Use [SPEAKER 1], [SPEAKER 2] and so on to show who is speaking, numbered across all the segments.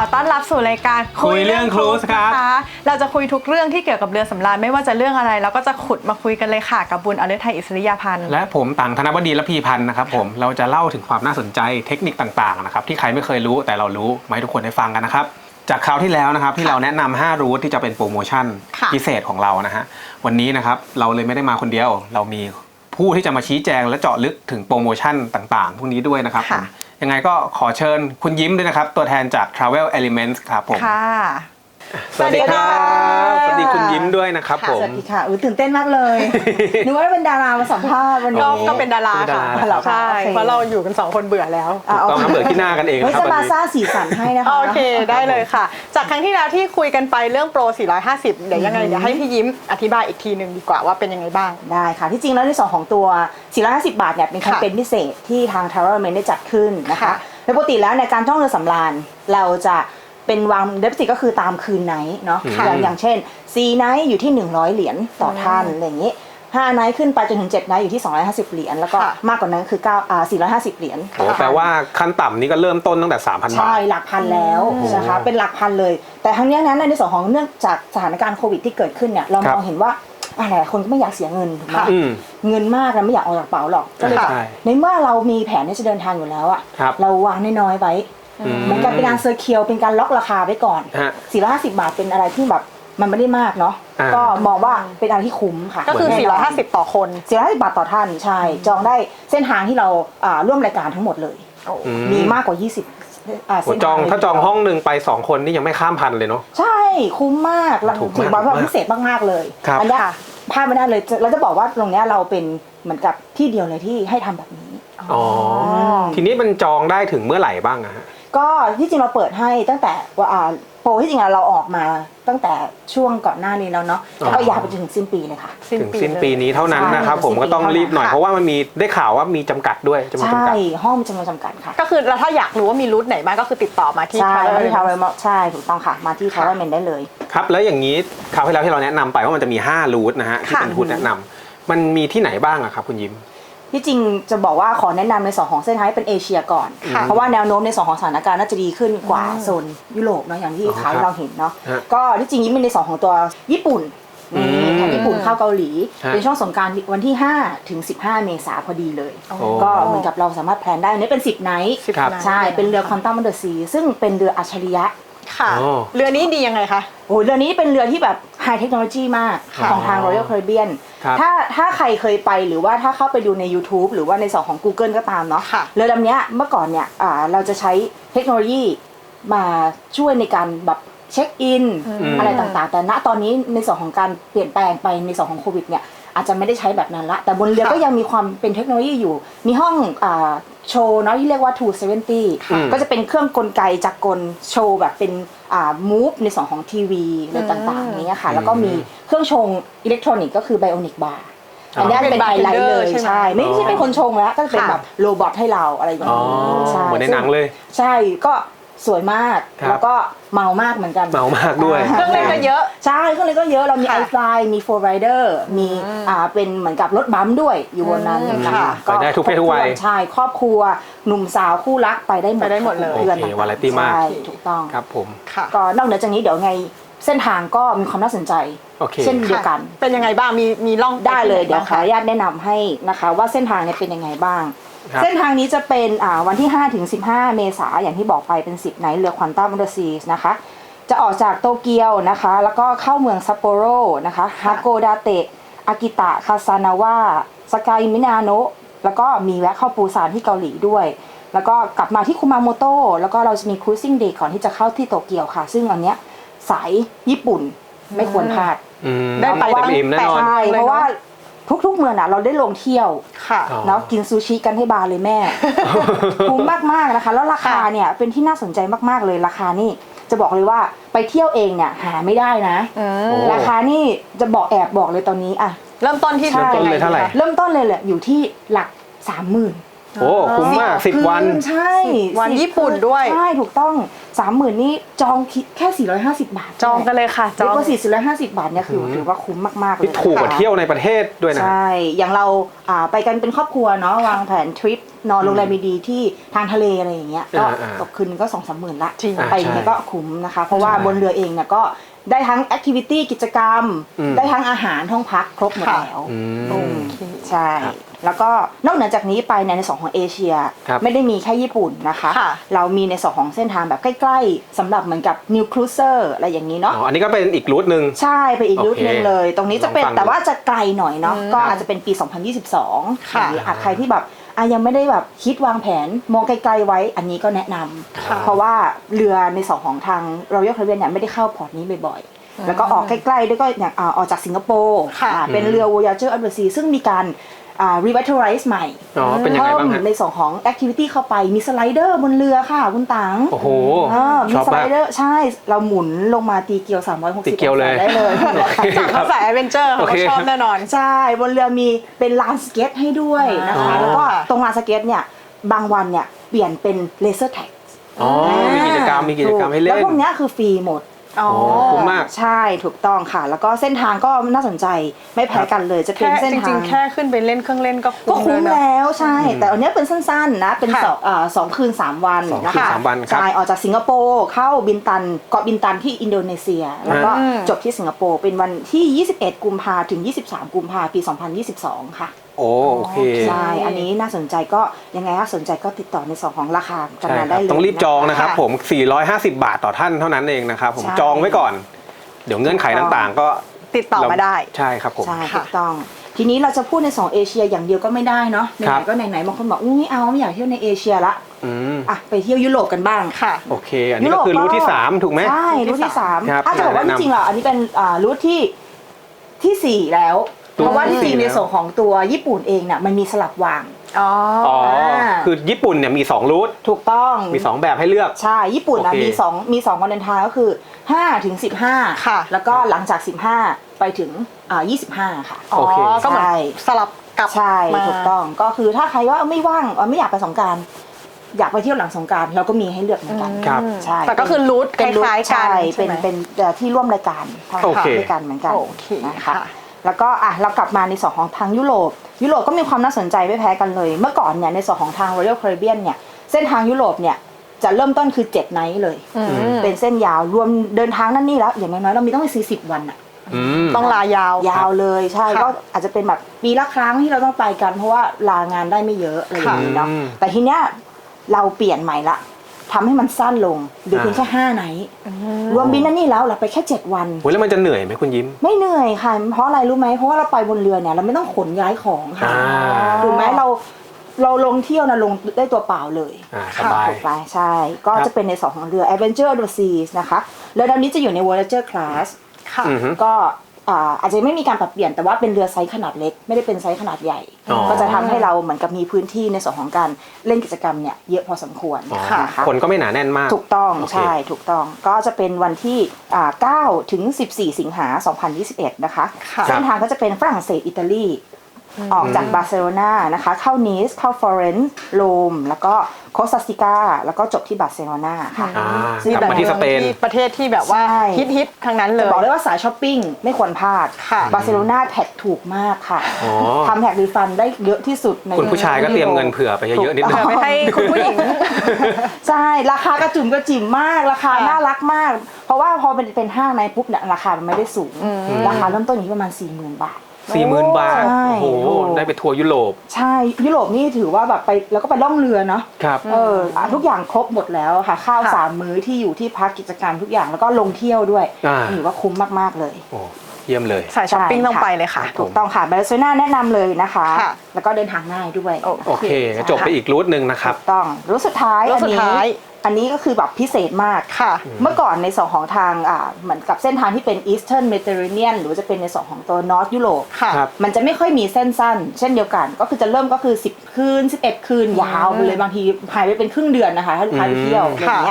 [SPEAKER 1] ต้อนรับสู่รายการ
[SPEAKER 2] คุยเรื่องครูซครับ
[SPEAKER 1] เราจะคุยทุกเรื่องที่เกี่ยวกับเรือสำราญไม่ว่าจะเรื่องอะไรเราก็จะขุดมาคุยกันเลยค่ะกับบุญอฤทัยอิสริยาพันธ์
[SPEAKER 2] และผมต่างธนบดีและพีพันธ์นะครับผมเราจะเล่าถึงความน่าสนใจเทคนิคต่างๆนะครับที่ใครไม่เคยรู้แต่เรารู้มาให้ทุกคนได้ฟังกันนะครับจากคราวที่แล้วนะครับที่เราแนะนำ5รูทที่จะเป็นโปรโมชั่นพิเศษของเรานะฮะวันนี้นะครับเราเลยไม่ได้มาคนเดียวเรามีผู้ที่จะมาชี้แจงและเจาะลึกถึงโปรโมชั่นต่างๆพวกนี้ด้วยนะครับยังไงก็ขอเชิญคุณยิ้มด้วยนะครับตัวแทนจาก Travel Elements ครับผมสวัสดีครับสวัสดีคุณยิ้มด้วยนะครับผม
[SPEAKER 3] สวัสดีค่ะตื่นเต้นมากเลยนึกว่าเป็นดารามาสัมภาษณ์วันนี้
[SPEAKER 1] ก็เป็นดาราค่ะใช่เพราะเราอยู่กัน2คนเบื่อแล้ว
[SPEAKER 2] ต้องมาเบื่อที่หน้ากันเองครับ
[SPEAKER 3] จะมาสร้างสีสันให้นะคะ
[SPEAKER 1] โอเคได้เลยค่ะจากครั้งที่แล้วที่คุยกันไปเรื่องโปร450เดี๋ยวยังไงเดี๋ยวให้พี่ยิ้มอธิบายอีกทีนึงดีกว่าว่าเป็นยังไงบ้าง
[SPEAKER 3] ได้ค่ะที่จริงแล้วในส่วนของตัว450บาทเนี่ยเป็นแคมเปญพิเศษที่ทาง Travel Element ได้จัดขึ้นนะคะโดยปกติแล้วในการท่องเรือสำราญเราจะเป็นวางเดฟซิก็คือตามคืนไนท์เนาะอย่างเช่น4ไนท์อยู่ที่100เหรียญต่อท่านอะไรอย่างนี้5ไนท์ขึ้นไปจนถึง7ไนท์อยู่ที่250เหรียญแล้วก็มากกว่านั้นคือ450เหรียญ
[SPEAKER 2] โอ้แปลว่าขั้นต่ำนี่ก็เริ่มต้นตั้งแต่ 3,000 บาท
[SPEAKER 3] ใช่หลักพันแล้วนะคะเป็นหลักพันเลยแต่ทั้งนี้นั้นในส่วนของเนื่องจากสถานการณ์โควิดที่เกิดขึ้นเนี่ยเรามองเห็นว่าหลายคนก็ไม่อยากเสียเงินถูกไหมเงินมากเราไม่อยากเอาจากกระเป๋าหรอกก็เลยในเมื่อเรามีแผนที่จะเดินทางอยู่แล้วอะเราวางน้อยๆไว้เหมือนกับเป็นการเซอร์เคียวเป็นการล็อกราคาไว้ก่อน450บาทเป็นอะไรที่แบบมันไม่ได้มากเนาะก็มองว่าเป็นอะไรที่คุ้มค่ะ
[SPEAKER 1] ก็คือ450ต่อคน
[SPEAKER 3] 450บาทต่อท่านใช่จองได้เส้นทางที่เราร่วมรายการทั้งหมดเลยมีมากกว่า20
[SPEAKER 2] ถ้าจองห้องหนึ่งไป2คนนี่ยังไม่ข้ามพันเลยเนาะ
[SPEAKER 3] ใช่คุ้มมากถือว่าพิเศษมากๆเลยอันนี้พลาดไม่ได้เลยเราจะบอกว่าตรงนี้เราเป็นเหมือนกับที่เดียวเลยที่ให้ทำแบบนี้
[SPEAKER 2] อ๋อทีนี้มันจองได้ถึงเมื่อไหร่บ้างอะฮะ
[SPEAKER 3] ก็ที่จริงเราเปิดให้ตั้งแต่โปรที่จริงเราออกมาตั้งแต่ช่วงก่อนหน้านี้แล้วเนาะแล้วก็ยาวไปจนถึงสิ้นปีเลยค่ะ
[SPEAKER 2] ถึงสิ้นปีนี้เท่านั้นนะครับผมก็ต้องรีบหน่อยเพราะว่ามันมีได้ข่าวว่ามีจำกัดด้วย
[SPEAKER 3] ใช่ห้องจำนวนจำกัดค่ะ
[SPEAKER 1] ก็คือถ้าอยากรู้ว่ามีรูทไหนบ้างก็คือติดต่อมาที่
[SPEAKER 3] Travel ใช่ถูกต้องค่ะมาที่ Travel Element ได้เลย
[SPEAKER 2] ครับแล้วอย่างนี้คราวที่แล้วที่เราแนะนำไปว่ามันจะมี5รูทนะฮะที่เป็นรูทแนะนำมันมีที่ไหนบ้างอะครับคุณยิ้ม
[SPEAKER 3] ที่จริงจะบอกว่าขอแนะนำในส่วนของเส้นทางเป็นเอเชียก่อนเพราะว่าแนวโน้มในส่วนของสถานการณ์น่าจะดีขึ้นกว่าโซนยุโรปเนาะอย่างที่ข่าวเราเห็นเนาะก็ที่จริงยิ้มในส่วนของตัวญี่ปุ่นแถบญี่ปุ่นเข้าเกาหลีเป็นช่วงสงกรานต์วันที่5ถึง15เมษายนพอดีเลยก็เหมือนกับเราสามารถแพลนได้อันนี้เป็น10ไนท์ใช่เป็นเรือ Quantum of the Sea ซึ่งเป็นเรืออัจฉริยะ
[SPEAKER 1] ค่ะเรือนี้ดียังไงคะ
[SPEAKER 3] โอ้เรือนี้เป็นเรือที่แบบไฮเทคโนโลยีมากของทาง Royal Caribbean ถ้าใครเคยไปหรือว่าถ้าเข้าไปดูใน YouTube หรือว่าในส่วนของ Google ก็ตามเนาะเรือลำนี้เมื่อก่อนเนี่ยเราจะใช้เทคโนโลยีมาช่วยในการแบบเช็คอินอะไรต่างๆแต่ณตอนนี้ในส่วนของการเปลี่ยนแปลงไปในส่วนของโควิดเนี่ยอาจจะไม่ได้ใช้แบบนั้นละแต่บนเรือก็ยังมีความเป็นเทคโนโลยีอยู่มีห้องโชว์เนาะที่เรียกว่า270ก็จะเป็นเครื่องกลไกจักรกลโชว์แบบเป็นมูฟในส่วนของทีวีอะไรต่างๆอย่างเงี้ยค่ะแล้วก็มีเครื่องชงอิเล็กทรอนิกส์ก็คือไบโอนิกบาร์อันนี้เป็นไฮไลท์เลยใช่ไม่ใช่เป็นคนชงแล้วก็เป็นแบบโรบอทให้เราอะไรอย่างนี้
[SPEAKER 2] ใช่เหมือนในหนังเลย
[SPEAKER 3] ใช่ก็สวยมากแล้วก็เมามากเหมือนกัน
[SPEAKER 2] เมามากด้วย
[SPEAKER 1] เครื่องเล่นก็เยอะ
[SPEAKER 3] ใช่เครื่องเล่นก็เยอะเรามีไอฟลายมีโฟร์ไรเดอร์มีเป็นเหมือนกับรถบัมป์ด้วยอยู่บนนั้น
[SPEAKER 2] นะคะไปได้ทุกเพศทุกวัย
[SPEAKER 3] ใช่ครอบครัวหนุ่มสาวคู่รักไปได้หมด
[SPEAKER 2] เลยโอเควาไรตี้มาก
[SPEAKER 3] ถูกต้อง
[SPEAKER 2] ครับผม
[SPEAKER 3] ก็นอกเหนือจากนี้เดี๋ยวไงเส้นทางก็มีความน่าสนใจเช่นเดียวกัน
[SPEAKER 1] เป็นยังไงบ้างมีล่อง
[SPEAKER 3] ได้เลยเดี๋ยวขออนุญาตแนะนำให้นะคะว่าเส้นทางนี้เป็นยังไงบ้างเส้นทางนี้จะเป็นวันที่5ถึง15เมษายนอย่างที่บอกไปเป็น10ไนท์เรือ Quantum of the Sea นะคะจะออกจากโตเกียวนะคะแล้วก็เข้าเมืองซัปโปโรนะคะฮาโกดาเตะอากิตะคาซานาวะสกายมินาโนะแล้วก็มีแวะเข้าปูซานที่เกาหลีด้วยแล้วก็กลับมาที่คุมาโมโตะแล้วก็เราจะมีครูซิ่งเดย์ก่อนที่จะเข้าที่โตเกียวค่ะซึ่งอันเนี้ยสายญี่ปุ่นไม่ควรพลาด
[SPEAKER 2] ได้ไปอิ่มแน่นอน
[SPEAKER 3] ใช่เพราะว่าทุกๆเมืองเราได้ลงเที่ยวเนาะกินซูชิกันให้บาเลยแม่คุ้มมากๆนะคะแล้วราคาเนี่ยเป็นที่น่าสนใจมากๆเลยราคานี่จะบอกเลยว่าไปเที่ยวเองเนี่ยหาไม่ได้นะราคานี่จะแอบบอกเลยตอนนี้อะ
[SPEAKER 1] เริ่มต้นที่
[SPEAKER 2] เท่าไหร่
[SPEAKER 3] เริ่มต้นเลยแหละอยู่ที่หลัก30,000
[SPEAKER 2] โอ้คุ้มมาก10 วัน
[SPEAKER 3] ใช่
[SPEAKER 1] วัน
[SPEAKER 3] 10
[SPEAKER 1] ญี่ปุ่นด้วย
[SPEAKER 3] ใช่ถูกต้อง 30,000นี่จองคิดแค่450 บาท
[SPEAKER 1] จองกันเลยค่ะจ
[SPEAKER 3] จ
[SPEAKER 1] อ
[SPEAKER 3] อง งก็450 บาทเนี่ยคือถือว่าคุ้มมากๆเลย
[SPEAKER 2] ที่ถูกกว่าเที่ยวในประเทศด้วยนะ
[SPEAKER 3] ใช่ อย่างเราไปกันเป็นครอบครัวเนาะวางแผนทริปนอนโรงแรมดีๆที่ทางทะเลอะไรอย่างเงี้ยก็ตกคืนก็2-3 หมื่นละ
[SPEAKER 1] จริง
[SPEAKER 3] ไปอย่างเงี้ยก็คุ้มนะคะ เพราะว่าบนเรือเองเนี่ยก็ได้ทั้งแอคทิวิตี้กิจกรรม ได้ทั้งอาหารห้องพักครบหมดแล้ว
[SPEAKER 1] โอเค
[SPEAKER 3] ใช่ แล้วก็นอกเหนือจากนี้ไปในส่วนของเอเชีย
[SPEAKER 2] ครับ
[SPEAKER 3] ไม่ได้มีแค่ญี่ปุ่นนะคะ
[SPEAKER 1] ค่ะ
[SPEAKER 3] เรามีในส่วนของเส้นทางแบบใกล้ๆสำหรับเหมือนกับนิวครูเซอร์อะไรอย่างนี้เนาะ
[SPEAKER 2] อ๋ออันนี้ก็เป็นอีกรูทหนึ่ง
[SPEAKER 3] ใช่ไปอีก
[SPEAKER 2] โอเค
[SPEAKER 3] รูทหนึงเลย ตรงนี้จะเป็น
[SPEAKER 2] ลองฟังดู
[SPEAKER 3] แต่ว่าจะไกลหน่อยเนาะก็อาจจะเป็นปี 2022
[SPEAKER 1] ค่ะ
[SPEAKER 3] หรือใครที่แบบยังไม่ได้แบบคิดวางแผนมองไกลๆไว้อันนี้ก็แนะนำเพราะว่าเรือในสองของทาง Royal Caribbean เนี่ยไม่ได้เข้าพอร์ตนี้บ่อยๆแล้วก็ออกใกล้ๆด้วยก็อย่างออกจากสิงคโปร์
[SPEAKER 1] ค่ะ
[SPEAKER 3] เป็นเรือ Voyager of the Sea ซึ่งมีการrevitalize ใหม่
[SPEAKER 2] อ๋อเป็นยังไงบ้างฮะ
[SPEAKER 3] ในส่วนของ activity เข้าไปมีสไลเดอร์บนเรือค่ะคุณตัง
[SPEAKER 2] โอ้โห
[SPEAKER 3] มี
[SPEAKER 2] ชอบ
[SPEAKER 3] สไล
[SPEAKER 2] มาก
[SPEAKER 3] เดอร์ใช่เราหมุนลงมาตีเกียว360
[SPEAKER 2] ตีเกียวเลย
[SPEAKER 3] ได้เลย
[SPEAKER 1] จากเขาสายแอดเวนเจอร์เขา
[SPEAKER 2] โอ
[SPEAKER 1] ก็
[SPEAKER 2] เค
[SPEAKER 1] ชอบแน่นอน
[SPEAKER 3] ใช่บนเรือมีเป็นลานสเก็ตให้ด้วยนะคะ
[SPEAKER 2] อ๋อ
[SPEAKER 3] แล้วก็ตรงลานสเก็ตเนี่ยบางวันเนี่ยเปลี่ยนเป็นเลเซอร์แท็ก
[SPEAKER 2] อ๋อมีกิจกรรมให้เล่
[SPEAKER 3] แล้ว
[SPEAKER 2] น
[SPEAKER 3] พวกเนี้ยคือฟรีหมด
[SPEAKER 1] อ๋อ
[SPEAKER 2] โอ้คุ้มมาก
[SPEAKER 3] ใช่ถูกต้องค่ะ แล้วก็เส้นทางก็น่าสนใจไม่แพ้กันเลยจะเป็น
[SPEAKER 1] แค่
[SPEAKER 3] เส้น
[SPEAKER 1] จ
[SPEAKER 3] ทา
[SPEAKER 1] ริ
[SPEAKER 3] ง
[SPEAKER 1] งๆ แค่ขึ้นไปเล่นเครื่องเล่นก็
[SPEAKER 3] ก็
[SPEAKER 1] คุ้ม
[SPEAKER 3] คุ้ม
[SPEAKER 1] แล้วนะ
[SPEAKER 3] แล้วใช่ แต่อันเนี้ยเป็นสั้นๆนะเป็น
[SPEAKER 1] ค่ะ
[SPEAKER 3] 2 คืน 3 วัน
[SPEAKER 2] 2
[SPEAKER 3] นะ
[SPEAKER 2] คืน
[SPEAKER 3] คะ
[SPEAKER 2] 3 วันครับ
[SPEAKER 3] ใช่ออกจากสิงคโปร์เข้าบินตันเกาะบินตันที่อินโดนีเซีย แล้วก็จบที่สิงคโปร์เป็นวันที่ 21 กุมภาถึง 23 กุมภาปี 2022 ค่ะ
[SPEAKER 2] โอเค
[SPEAKER 3] ใช่อันนี้น่าสนใจก็ยังไงถ้าสนใจก็ติดต่อในส่วนของราคากัน
[SPEAKER 2] ใช่
[SPEAKER 3] มา
[SPEAKER 2] ค
[SPEAKER 3] ได้
[SPEAKER 2] รับ
[SPEAKER 3] เลย
[SPEAKER 2] ต้องรีบจองนะครับ
[SPEAKER 3] ะ
[SPEAKER 2] ผม 450 บาทต่อท่านเท่านั้นเองนะครับผม
[SPEAKER 3] ใช่
[SPEAKER 2] จองไว้ก่อน เดี๋ยวเงื่อนไขต่างๆ ก็
[SPEAKER 1] ติดต่อมาได้
[SPEAKER 2] ใช่ครับผม
[SPEAKER 3] ใช่ถูกต้อง ทีนี้เราจะพูดใน2เอเชียอย่างเดียวก็ไม่ได้เนาะไห
[SPEAKER 2] ครั
[SPEAKER 3] น
[SPEAKER 2] บ
[SPEAKER 3] ๆก็ไหนๆบางคนบอกไม่เอาไม่อยากเที่ยวในเอเชียละ
[SPEAKER 2] อืม
[SPEAKER 3] ไปเที่ยวยุโรปกันบ้าง
[SPEAKER 1] ค่ะ
[SPEAKER 2] โอเค อันนี้ก็คือรูทที่ 3 ถูกไหม
[SPEAKER 3] ใช่รูทที่
[SPEAKER 2] ครับ
[SPEAKER 3] 3อาจจะบอกว่า
[SPEAKER 2] แนะ
[SPEAKER 3] จ
[SPEAKER 2] นำ
[SPEAKER 3] ริงๆเหรออันนี้เป็นรูทที่ 4 แล้ว
[SPEAKER 2] รูท
[SPEAKER 3] เพราะว่าที่จริง
[SPEAKER 2] ที่
[SPEAKER 3] ใน
[SPEAKER 2] 4
[SPEAKER 3] ส่วนของตัวญี่ปุ่นเองเนี่ยมันมีสลับวาง
[SPEAKER 1] อ๋อ
[SPEAKER 2] อ๋อ คือญี่ปุ่นเนี่ยมี2รูท
[SPEAKER 3] ถูกต้อง
[SPEAKER 2] มี 2 แบบให้เลือก
[SPEAKER 3] ใช่ญี่ปุ่นนะ
[SPEAKER 2] โอเค
[SPEAKER 3] มี2วันเดินทางก็คือ5 ถึง 15
[SPEAKER 1] ค่ะ
[SPEAKER 3] แล้วก็หลังจาก 15 ไปถึง25 ค่ะ
[SPEAKER 1] อ๋อ
[SPEAKER 2] โอเค
[SPEAKER 1] ก็เหมือน
[SPEAKER 3] ใช่
[SPEAKER 1] สลับกลับ
[SPEAKER 3] ใช่
[SPEAKER 1] มา
[SPEAKER 3] ถูกต้องก็คือถ้าใครว่าไม่ว่างไม่อยากไปสงกรานต์อยากไปเที่ยวหลังสงกรานต์เราก็มีให้เลือกเหมือนกัน
[SPEAKER 2] ครับ
[SPEAKER 3] ใช่
[SPEAKER 1] แต่ก็คือรูทค
[SPEAKER 3] เป็นรูท
[SPEAKER 1] ล้ายๆกัน
[SPEAKER 3] ใช่
[SPEAKER 1] ใช่ไหม
[SPEAKER 3] เป็นที่ร่วมรายการทำ
[SPEAKER 2] โอเค
[SPEAKER 3] ด้วยกันเหมือนกัน
[SPEAKER 1] โอเค
[SPEAKER 3] นะคะ
[SPEAKER 1] ค่ะ
[SPEAKER 3] แล้วก็เรากลับมาในส่วนของทางยุโรปก็มีความน่าสนใจไม่แพ้กันเลย เมื่อก่อนเนี่ยในส่วนของทาง Royal Caribbean เนี่ยเส้นทางยุโรปเนี่ยจะเริ่มต้นคือ7ไนท์เลย เป็นเส้นยาวรวมเดินทางนั่นนี่แล้วอย่างน้อยๆเรามีต้องไป40 วันอะ
[SPEAKER 2] อืม
[SPEAKER 1] ต้องลายาว
[SPEAKER 3] ยาวเลยใช่
[SPEAKER 1] ค่ะ
[SPEAKER 3] ก็อาจจะเป็นแบบปีละครั้งที่เราต้องไปกันเพราะว่าลางานได้ไม่เยอะอะไรอย่างนี้เนาะ
[SPEAKER 2] อืม
[SPEAKER 3] แต่ทีเนี้ยเราเปลี่ยนใหม่ละทำให้มันสั้นลงเหลือเพียงแค่5ไนท์รวมบินนั่นนี่แล้วเราไปแค่7 วัน
[SPEAKER 2] โหแล้วมันจะเหนื่อยไหมคุณยิ้ม
[SPEAKER 3] ไม่เหนื่อยค่ะเพราะอะไรรู้ไหมเพราะว่าเราไปบนเรือเนี่ยเราไม่ต้องขนย้ายของค่ะ
[SPEAKER 2] อ่า
[SPEAKER 3] ถูกไหมเราลงเที่ยวนะลงได้ตัวเปล่าเลย
[SPEAKER 2] สบาย
[SPEAKER 3] ถูกไหมใช่ ก็
[SPEAKER 2] ครับ
[SPEAKER 3] จะเป็นในสองของเรือ Adventure of the Seas นะคะเรือลำนี้จะอยู่ใน Voyager Class
[SPEAKER 1] ค่ะ
[SPEAKER 2] อือฮึ
[SPEAKER 3] ก็อาจจะไม่มีการปรับเปลี่ยนแต่ว่าเป็นเรือไซส์ขนาดเล็กไม่ได้เป็นไซส์ขนาดใหญ่
[SPEAKER 2] อ๋อ
[SPEAKER 3] ก็จะทำให้เราเหมือนกับมีพื้นที่ในส่วนของการเล่นกิจกรรมเนี่ยเยอะพอสมควร
[SPEAKER 2] อ๋อ
[SPEAKER 3] นะคะ
[SPEAKER 2] คนก็ไม่หนาแน่นมาก
[SPEAKER 3] ถูกต้อง
[SPEAKER 2] โอเค
[SPEAKER 3] ใช่ถูกต้องก็จะเป็นวันที่9 ถึง 14 สิงหา 2021 นะคะ
[SPEAKER 1] ค่ะ
[SPEAKER 3] เส้นทางก็จะเป็นฝรั่งเศสอิตาลีออกจากบาร์เซโลนานะคะเข้านีสเข้าฟลอเรนซ์โรมแล้วก็โคสตาซิกาแล้วก็จบที่บาร์เซโลนาค่ะ
[SPEAKER 2] อ่า
[SPEAKER 1] มี
[SPEAKER 2] กลับมาที่สเปน
[SPEAKER 1] ประเทศที่แบบว่า
[SPEAKER 3] ใช่
[SPEAKER 1] ฮิตๆทั้งนั้นเลย
[SPEAKER 3] บอกเลยว่าสายช้อปปิ้งไม่ควรพลาด
[SPEAKER 1] ค่ะ
[SPEAKER 3] บาร์เซโลนาแท็กถูกมากค่ะ
[SPEAKER 2] อ๋อ
[SPEAKER 3] ทำแท็กรีฟันได้เยอะที่สุดใน
[SPEAKER 2] คุณผู้ชายก็เตรียมเงินเผื่อไปเยอะๆนิดนึ
[SPEAKER 1] เผื่
[SPEAKER 2] ง
[SPEAKER 1] อไปให้คุณผู้หญิง
[SPEAKER 3] ใช่ราคากระจุ่มกระจิ๋มมากราคา
[SPEAKER 1] ค่ะ
[SPEAKER 3] น่ารักมาก เพราะว่าพอเป็นห้างในปุ๊บเนี่ยราคามันไม่ได้สูง ราคาเริ่มต้นอยู่ที่ประมาณ 40,000 บาท
[SPEAKER 2] 40,000 บาท
[SPEAKER 3] ใช่
[SPEAKER 2] โอ้โห ได้ไปทัวร์ยุโรป
[SPEAKER 3] ใช่ยุโรปนี่ถือว่าแบบไปแล้วก็ไปล่องเรือเนาะ
[SPEAKER 2] ครับ
[SPEAKER 3] ทุกอย่างครบหมดแล้วค่ะข้าว
[SPEAKER 1] ค่ะ
[SPEAKER 3] 3 มื้อที่อยู่ที่พักกิจการทุกอย่างแล้วก็ลงเที่ยวด้วย
[SPEAKER 2] อ่า
[SPEAKER 3] ถือว่าคุ้มมากๆเลย
[SPEAKER 2] โอ้เยี่ยมเลย
[SPEAKER 1] สายช้อปปิ้งต้องไปเลยค่ะ
[SPEAKER 3] ถูกต้องค่ะบาร์เซโลนาแนะนำเลยนะคะ
[SPEAKER 1] ค่ะ
[SPEAKER 3] แล้วก็เดินทางง่ายด้วย
[SPEAKER 2] โอเคจบไปอีกรูทหนึ่งนะครับ
[SPEAKER 3] ถูกต้องรูทสุดท้าย
[SPEAKER 1] รูทสุดท้าย
[SPEAKER 3] อันนี้ก็คือแบบพิเศษมาก
[SPEAKER 1] ค่ะ
[SPEAKER 3] เมื่อก่อนในส่วนของทางเหมือนกับเส้นทางที่เป็น Eastern Mediterranean หรือว่าจะเป็นในส่วนของตัว North Europe
[SPEAKER 1] ค่ะ
[SPEAKER 2] ครับ
[SPEAKER 3] มันจะไม่ค่อยมีเส้นสั้น เช่นเดียวกัน ก็คือจะเริ่มก็คือ10 คืน 11 คืนยาวไปเลยบางทีหายไปเป็นครึ่งเดือนนะคะถ้าลูกค้าไปเที่ยวอะไรอย่างเงี้ย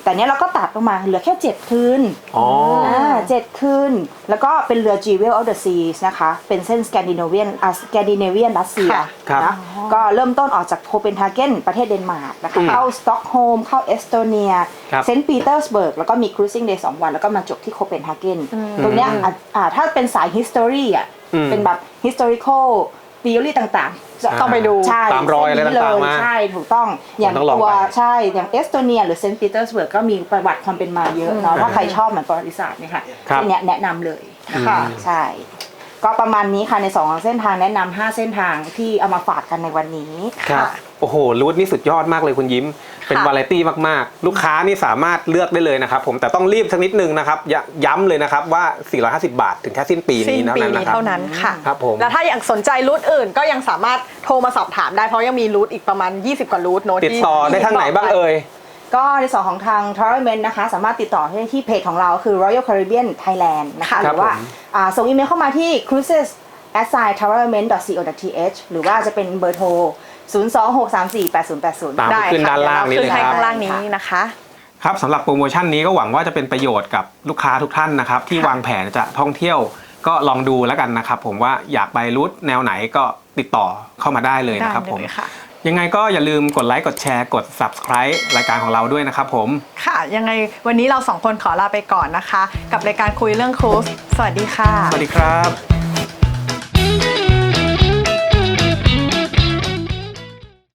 [SPEAKER 3] แต่เนี้ยเราก็ตัดลงมาเหลือแค่7คืน
[SPEAKER 2] อ๋อ
[SPEAKER 3] 7คืนแล้วก็เป็นเรือ Jewel of the Seas นะคะเป็นเส้นสแกนดิเนเวียนรัสเซีย
[SPEAKER 2] ครับ
[SPEAKER 3] นะก็เริ่มต้นออกจากโคเปนฮาเกนประเทศเดนมาร์กนะคะเข้าสต็อกโฮล์มเข้าเอสโตเนีย
[SPEAKER 2] ครับ
[SPEAKER 3] เซนต์ปีเตอร์สเบิร์กแล้วก็มีครูซิ่งเดย์2 วันแล้วก็มาจบที่โคเปนฮาเกนตรงเนี้ยถ้าเป็นสาย history อ่ะเป็นแบบ historical theory ต่างๆจะ
[SPEAKER 1] ต้องไปดู
[SPEAKER 3] ใช่
[SPEAKER 2] ตามรอยอะไรต่างๆมา
[SPEAKER 3] ใช่ถูกต้องอย่าง
[SPEAKER 2] ต้องลอง
[SPEAKER 3] ตัว
[SPEAKER 2] ไป
[SPEAKER 3] ใช่อย่างเอสโตเนียหรือเซนต์ปีเตอร์สเบิร์กก็มีประวัติความเป็นมาเยอะเนาะถ้าใครชอบเหมือนประวัติศาสตร์เนี่ยค่ะ
[SPEAKER 2] ครับ
[SPEAKER 3] ที่แนะนำเลยนะคะ
[SPEAKER 1] อืม
[SPEAKER 3] ใช่ ก็ประมาณนี้ค่ะใน2เส้นทางแนะนำ5เส้นทางที่เอามาฝากกันในวันนี้
[SPEAKER 2] ครับ
[SPEAKER 1] ค่ะ
[SPEAKER 2] โอ้โหรูทนี่สุดยอดมากเลยคุณยิ้ม เป็น
[SPEAKER 1] ค่ะ
[SPEAKER 2] วาไรตี้มากๆ ลูกค้านี่สามารถเลือกได้เลยนะครับผมแต่ต้องรีบสักนิดนึงนะครับย้ำเลยนะครับว่า 450 บาทถึงแค่สิ้นปี
[SPEAKER 1] สิ้
[SPEAKER 2] นี้
[SPEAKER 1] นปี
[SPEAKER 2] เท่านั้น
[SPEAKER 1] นี้
[SPEAKER 2] นะครับ
[SPEAKER 1] เท่านั้นค่ะ
[SPEAKER 2] ครับผม
[SPEAKER 1] แล้วถ้าอยากสนใจรูทอื่นก็ยังสามารถโทรมาสอบถามได้เพราะยังมีรูทอีกประมาณ20 กว่ารูทโน้ต
[SPEAKER 2] ติดต่อได้ทางไหนบ้างเอ่ย
[SPEAKER 3] ก็ในส่วนของทาง Travelment นะคะสามารถติดต่อได้ที่เพจของเราคือ Royal Caribbean Thailand นะคะ
[SPEAKER 1] ค่ะ
[SPEAKER 3] หรือว่า
[SPEAKER 2] ครับผม
[SPEAKER 3] ส่งอีเมลเข้ามาที่ cruises@travelment.co.th หรือว่าจะเป็นเบอร์โทร 026348080
[SPEAKER 2] ตาม
[SPEAKER 1] ได้
[SPEAKER 2] ขึ้น
[SPEAKER 1] ค่ะ
[SPEAKER 2] ด้านล่างนี้
[SPEAKER 1] เดี๋ยว
[SPEAKER 2] เลย
[SPEAKER 1] เรา
[SPEAKER 2] ครับ
[SPEAKER 1] ขึ้นให้ข้างล่างนี้นะคะ
[SPEAKER 2] ครับสำหรับโปรโมชั่นนี้ก็หวังว่าจะเป็นประโยชน์กับลูกค้าทุกท่านนะครับที่วางแผนจะท่องเที่ยวก็ลองดูแล้วกันนะครับผมว่าอยากไปรูทแนวไหนก็ติดต่อเข้ามาได้เลยนะครับ
[SPEAKER 1] ได้
[SPEAKER 2] ผม
[SPEAKER 1] เลยค่ะ
[SPEAKER 2] ยังไงก็อย่าลืมกดไลค์กดแชร์กด subscribe รายการของเราด้วยนะครับผม
[SPEAKER 1] ค่ะ ยังไงวันนี้เราสองคนขอลาไปก่อนนะคะ กับรายการคุยเรื่องครูซสวัสดีค่ะ
[SPEAKER 2] สวัสดีครับ